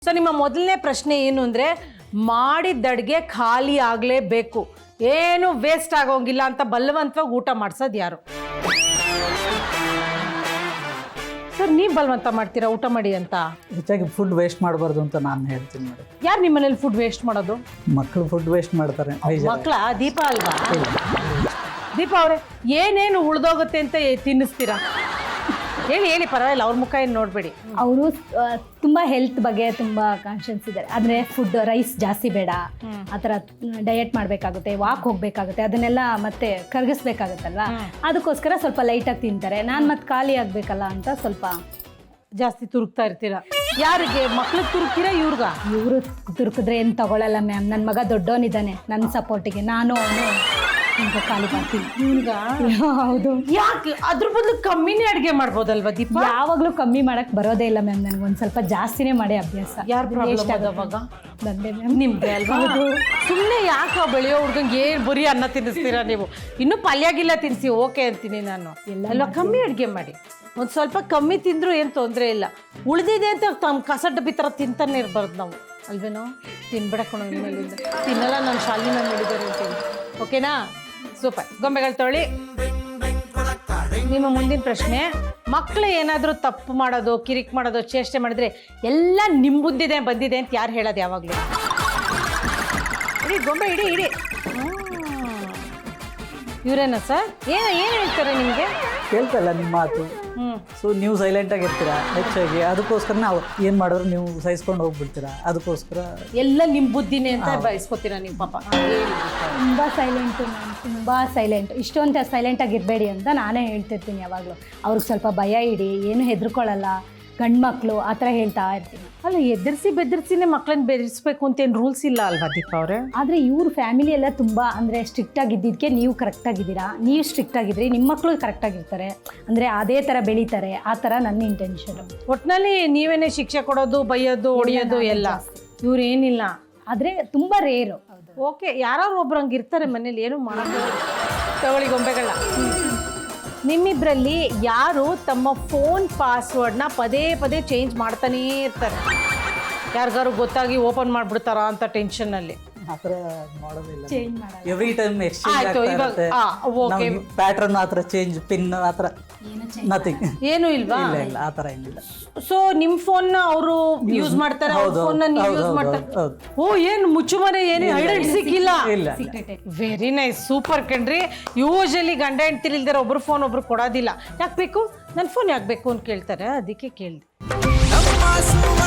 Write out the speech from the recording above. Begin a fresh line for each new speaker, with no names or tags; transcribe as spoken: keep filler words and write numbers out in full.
So ನಿಮ್ಮ ಮೊದಲನೇ ಪ್ರಶ್ನೆ ಏನು ಅಂದರೆ ಮಾಡಿದ ಅಡುಗೆ ಖಾಲಿ ಆಗಲೇಬೇಕು, ಏನು ವೇಸ್ಟ್ ಆಗೋಂಗಿಲ್ಲ ಅಂತ ಬಲವಂತವಾಗಿ ಊಟ ಮಾಡಿಸೋದು ಯಾರು? ಸರ್ ನೀವು ಬಲವಂತ ಮಾಡ್ತೀರಾ ಊಟ ಮಾಡಿ ಅಂತ?
ಹೆಚ್ಚಾಗಿ ಫುಡ್ ವೇಸ್ಟ್ ಮಾಡಬಾರ್ದು ಅಂತ ನಾನು ಹೇಳ್ತೀನಿ ನೋಡಿ.
ಯಾರು ನಿಮ್ಮ ಮನೇಲಿ ಫುಡ್ ವೇಸ್ಟ್ ಮಾಡೋದು?
ಮಕ್ಕಳು ಫುಡ್ ವೇಸ್ಟ್ ಮಾಡ್ತಾರೆ.
ಮಕ್ಕಳ ದೀಪ ಅಲ್ವಾ? ದೀಪ ಅವರೇ ಏನೇನು ಉಳ್ದೋಗುತ್ತೆ ಅಂತ ತಿನ್ನಿಸ್ತೀರಾ? ಹೇಳಿ ಹೇಳಿ, ಪರವಾಗಿಲ್ಲ, ಅವ್ರ ಮುಖ ಏನು ನೋಡಬೇಡಿ.
ಅವರು ತುಂಬ ಹೆಲ್ತ್ ಬಗ್ಗೆ ತುಂಬ ಕಾನ್ಷಿಯನ್ಸ್ ಇದ್ದಾರೆ. ಆದರೆ ಫುಡ್ ರೈಸ್ ಜಾಸ್ತಿ ಬೇಡ, ಆ ಥರ ಡಯಟ್ ಮಾಡಬೇಕಾಗುತ್ತೆ, ವಾಕ್ ಹೋಗಬೇಕಾಗುತ್ತೆ, ಅದನ್ನೆಲ್ಲ ಮತ್ತೆ ಕರಗಿಸ್ಬೇಕಾಗುತ್ತಲ್ವಾ, ಅದಕ್ಕೋಸ್ಕರ ಸ್ವಲ್ಪ ಲೈಟಾಗಿ ತಿಂತಾರೆ. ನಾನು ಮತ್ತೆ ಖಾಲಿ ಆಗಬೇಕಲ್ಲ ಅಂತ ಸ್ವಲ್ಪ
ಜಾಸ್ತಿ ತುರುಕ್ತಾ ಇರ್ತೀರಾ. ಯಾರಿಗೆ? ಮಕ್ಳಿಗೆ ತುರುಕ್ತೀರಾ ಇವ್ರಿಗ?
ಇವರು ತುರುಕಿದ್ರೆ ಏನು ತಗೊಳ್ಳಲ್ಲ ಮ್ಯಾಮ್. ನನ್ನ ಮಗ ದೊಡ್ಡವನಿದ್ದಾನೆ, ನನ್ನ ಸಪೋರ್ಟಿಗೆ ನಾನು ಅವನು ಈಗ ಖಾಲಿ ಮಾಡ್ತೀನಿ.
ಇವ್ರಿಗ? ಹೌದು. ಯಾಕೆ? ಅದ್ರ ಬದಲು ಕಮ್ಮಿನೇ ಅಡುಗೆ ಮಾಡ್ಬೋದಲ್ವಾ ದೀಪ?
ಯಾವಾಗಲೂ ಕಮ್ಮಿ ಮಾಡಕ್ಕೆ ಬರೋದೇ ಇಲ್ಲ ಮ್ಯಾಮ್, ನನಗೆ ಒಂದು ಸ್ವಲ್ಪ ಜಾಸ್ತಿನೇ ಮಾಡಿ ಅಭ್ಯಾಸ.
ಯಾರು ಪ್ರಾಬ್ಲಮ್ ಅವಾಗ?
ನಂದೇ ಮ್ಯಾಮ್.
ನಿಮ್ದೆ ಅಲ್ವಾ? ಸುಮ್ಮನೆ ಯಾಕೆ ಬೆಳೆಯೋ ಹುಡ್ಗಂಗೆ ಏನು ಬರೀ ಅನ್ನ ತಿನ್ನಿಸ್ತೀರಾ ನೀವು? ಇನ್ನೂ ಪಲ್ಯಾಗಿಲ್ಲ ತಿನ್ನಿಸಿ ಓಕೆ ಅಂತೀನಿ ನಾನು. ಎಲ್ಲ ಕಮ್ಮಿ ಅಡುಗೆ ಮಾಡಿ, ಒಂದು ಸ್ವಲ್ಪ ಕಮ್ಮಿ ತಿಂದರೂ ಏನು ತೊಂದರೆ ಇಲ್ಲ. ಉಳಿದಿದೆ ಅಂತ ತಮ್ಮ ಕಸ ಡಬ್ಬಿ ಥರ ತಿಂತಾನೆ ಇರಬಾರ್ದು ನಾವು, ಅಲ್ವೇನೋ? ತಿನ್ಬಿಡಕೊಂಡು ಮೇಲಿಂದ ತಿನ್ನಲ್ಲ, ನಾನು ಶಾಲಿನ ಮಾಡಿದ್ದಾರೆ ಅಂತೇಳಿ. ಓಕೆನಾ? ಸೂಪರ್. ಗೊಂಬೆಗಳು ತೊಳಿ. ನಿಮ್ಮ ಮುಂದಿನ ಪ್ರಶ್ನೆ, ಮಕ್ಕಳು ಏನಾದರೂ ತಪ್ಪು ಮಾಡೋದು, ಕಿರಿಕ್ ಮಾಡೋದು, ಚೇಷ್ಟೆ ಮಾಡಿದ್ರೆ ಎಲ್ಲ ನಿಮ್ಮ ಮುಂದಿದೆ ಬಂದಿದೆ ಅಂತ ಯಾರು ಹೇಳೋದು ಯಾವಾಗಲೂ? ಇಡೀ ಗೊಂಬೆ ಇಡೀ ಇಡೀ ಇವರೇನಾ ಸರ್? ಏನು ಏನು ಹೇಳ್ತಾರೆ ನಿಮಗೆ?
ಕೇಳ್ತಲ್ಲ ನಿಮ್ಮ ಮಾತು.
ಹ್ಞೂ.
ಸೊ ನೀವು ಸೈಲೆಂಟಾಗಿ ಇರ್ತೀರಾ ಹೆಚ್ಚಾಗಿ, ಅದಕ್ಕೋಸ್ಕರ ನಾವು ಏನು ಮಾಡಿದ್ರು ನೀವು ಸಹಿಸ್ಕೊಂಡು ಹೋಗ್ಬಿಡ್ತೀರಾ, ಅದಕ್ಕೋಸ್ಕರ
ಎಲ್ಲ ನಿಮ್ಮ ಬುದ್ಧಿನೇ ಅಂತ ಬಯಸ್ಕೋತೀರಾ ನೀವು ಪಾಪ.
ತುಂಬ ಸೈಲೆಂಟು ಮ್ಯಾಮ್, ತುಂಬ ಸೈಲೆಂಟ್. ಇಷ್ಟೊಂದು ಸೈಲೆಂಟಾಗಿ ಇರಬೇಡಿ ಅಂತ ನಾನೇ ಹೇಳ್ತಿರ್ತೀನಿ ಯಾವಾಗಲೂ. ಅವ್ರಿಗೆ ಸ್ವಲ್ಪ ಭಯ ಇಡಿ, ಏನು ಹೆದರ್ಕೊಳ್ಳಲ್ಲ, ಗಂಡು ಮಕ್ಕಳು ಆ ಥರ ಹೇಳ್ತಾ ಇರ್ತೀನಿ.
ಅಲ್ಲ, ಎದುರಿಸಿ ಬೆದರಿಸಿನೇ ಮಕ್ಕಳನ್ನ ಬೆದರಿಸ್ಬೇಕು ಅಂತೇನು ರೂಲ್ಸ್ ಇಲ್ಲ ಅಲ್ವಾ ದೀಪ ಅವರೇ?
ಆದರೆ ಇವ್ರ ಫ್ಯಾಮಿಲಿ ಎಲ್ಲ ತುಂಬ ಅಂದರೆ ಸ್ಟ್ರಿಕ್ಟಾಗಿದ್ದಕ್ಕೆ ನೀವು ಕರೆಕ್ಟಾಗಿದ್ದೀರಾ, ನೀವು ಸ್ಟ್ರಿಕ್ಟಾಗಿದ್ರಿ, ನಿಮ್ಮ ಮಕ್ಕಳು ಕರೆಕ್ಟಾಗಿರ್ತಾರೆ, ಅಂದರೆ ಅದೇ ಥರ ಬೆಳೀತಾರೆ, ಆ ಥರ ನನ್ನ ಇಂಟೆನ್ಷನು.
ಒಟ್ಟಿನಲ್ಲಿ ನೀವೇನೇ ಶಿಕ್ಷೆ ಕೊಡೋದು, ಬೈಯೋದು, ಹೊಡಿಯೋದು ಎಲ್ಲ ಇವ್ರು ಏನಿಲ್ಲ.
ಆದರೆ ತುಂಬ ರೇರು.
ಓಕೆ, ಯಾರು ಒಬ್ರು ಹಂಗೆ ಇರ್ತಾರೆ ಮನೇಲಿ, ಏನು ಮಾಡೋದು. ತಗೊಳ್ಳಿ ಗೊಂಬೆಗಳ. ನಿಮ್ಮಿಬ್ಬರಲ್ಲಿ ಯಾರು ತಮ್ಮ ಫೋನ್ ಪಾಸ್ವರ್ಡ್ನ ಪದೇ ಪದೇ ಚೇಂಜ್ ಮಾಡ್ತಾನೇ ಇರ್ತಾರೆ? ಯಾರಿಗಾರು ಗೊತ್ತಾಗಿ ಓಪನ್ ಮಾಡಿಬಿಡ್ತಾರಾ ಅಂತ ಟೆನ್ಷನ್ನಲ್ಲಿ?
ಆ ಥರ ಮಾಡೋದಿಲ್ಲ.
ಚೇಂಜ್ ಮಾಡೋದು
ಎವ್ರಿ ಟೈಮ್ ಎಕ್ಸ್ಚೇಂಜ್
ಆಯ್ತು, ಇವಾಗ ಓಕೆ.
ಪ್ಯಾಟರ್ನ್ ಆ ಥರ ಚೇಂಜ್, ಪಿನ್ ಆ ಥರ ನಥಿಂಗ್.
ಏನು ಇಲ್ವಾ?
ಇಲ್ಲ ಇಲ್ಲ, ಆ ಥರ ಏನಿಲ್ಲ.
ಸೊ ನಿಮ್ಮ ಫೋನ್ನ ಅವರು ಯೂಸ್ ಮಾಡ್ತಾರೆ, ಅವ್ರ ಫೋನ್ನ ನೀವು ಯೂಸ್ ಮಾಡ್ತಾರೆ. ಓ, ಏನು ಮುಚ್ಚುಮರೆ, ಏನು ಹೈಡ್ ಸಿಕ್ಕಿಲ್ಲ?
ಇಲ್ಲ.
ವೆರಿ ನೈಸ್, ಸೂಪರ್ ಕಣ್ರಿ. ಯೂಶಲಿ ಗಂಡ ಹೆಂಡ್ತಿರ್ ಇಲ್ದಾರೆ ಒಬ್ರು ಫೋನ್ ಒಬ್ರು ಕೊಡೋದಿಲ್ಲ. ಯಾಕೆ ಬೇಕು? ನನ್ನ ಫೋನ್ ಯಾಕೆ ಬೇಕು ಅಂತ ಕೇಳ್ತಾರೆ, ಅದಕ್ಕೆ ಕೇಳಿದೆ.